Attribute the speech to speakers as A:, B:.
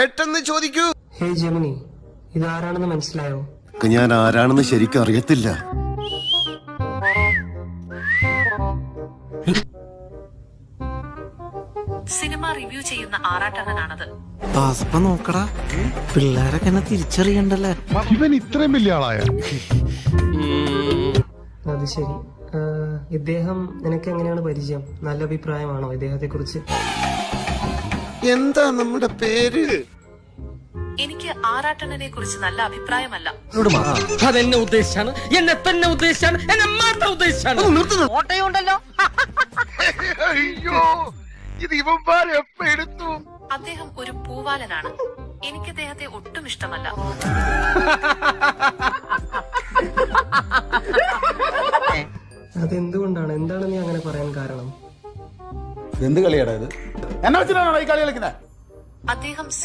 A: പെട്ടെന്ന് ചോദിക്കൂ.
B: ഹേ ജെമിനി, ഇതാരാണെന്ന് മനസ്സിലായോ?
A: ഞാൻ ആരാണെന്ന് ശരിക്കും അറിയത്തില്ല.
C: സിനിമ റിവ്യൂ ചെയ്യുന്ന ആറാട്ടണ്ണനാണത്.
D: നോക്കടാ, പിള്ളേരൊക്കെ എന്നെ തിരിച്ചറിയണ്ടല്ലേ.
E: ഇവൻ ഇത്രയും വലിയ ആളായ?
B: അത് ശരി. ഇദ്ദേഹം നിനക്ക് എങ്ങനെയാണ് പരിചയം? നല്ല അഭിപ്രായമാണോ ഇദ്ദേഹത്തെ കുറിച്ച്?
A: എന്താ നമ്മുടെ പേര്?
C: എനിക്ക് ആറാട്ടണ്ണനെ കുറിച്ച് നല്ല അഭിപ്രായമല്ല.
F: അതെന്നെ ഉദ്ദേശിച്ചാണ്, എന്നെ തന്നെ ഉദ്ദേശിച്ചാണ്, എന്നെ മാത്രം ഉദ്ദേശിച്ചാണ്.
G: ഓട്ടയുണ്ടല്ലോ.
E: അയ്യോ, ഇത് ഇവന്മാരെ എപ്പ എടുത്തു?
C: അദ്ദേഹം ഒരു പൂവാലനാണ്. എനിക്ക് അദ്ദേഹത്തെ ഒട്ടും ഇഷ്ടമല്ല.
B: അതെന്തുകൊണ്ടാണ്? എന്താണ് നീ അങ്ങനെ പറയാൻ കാരണം?
E: എന്ത് കളിയാടാ ഇത്? എന്നാ വെച്ചിട്ടാണോ ഈ കളി കളിക്കുന്നത്?
C: അദ്ദേഹം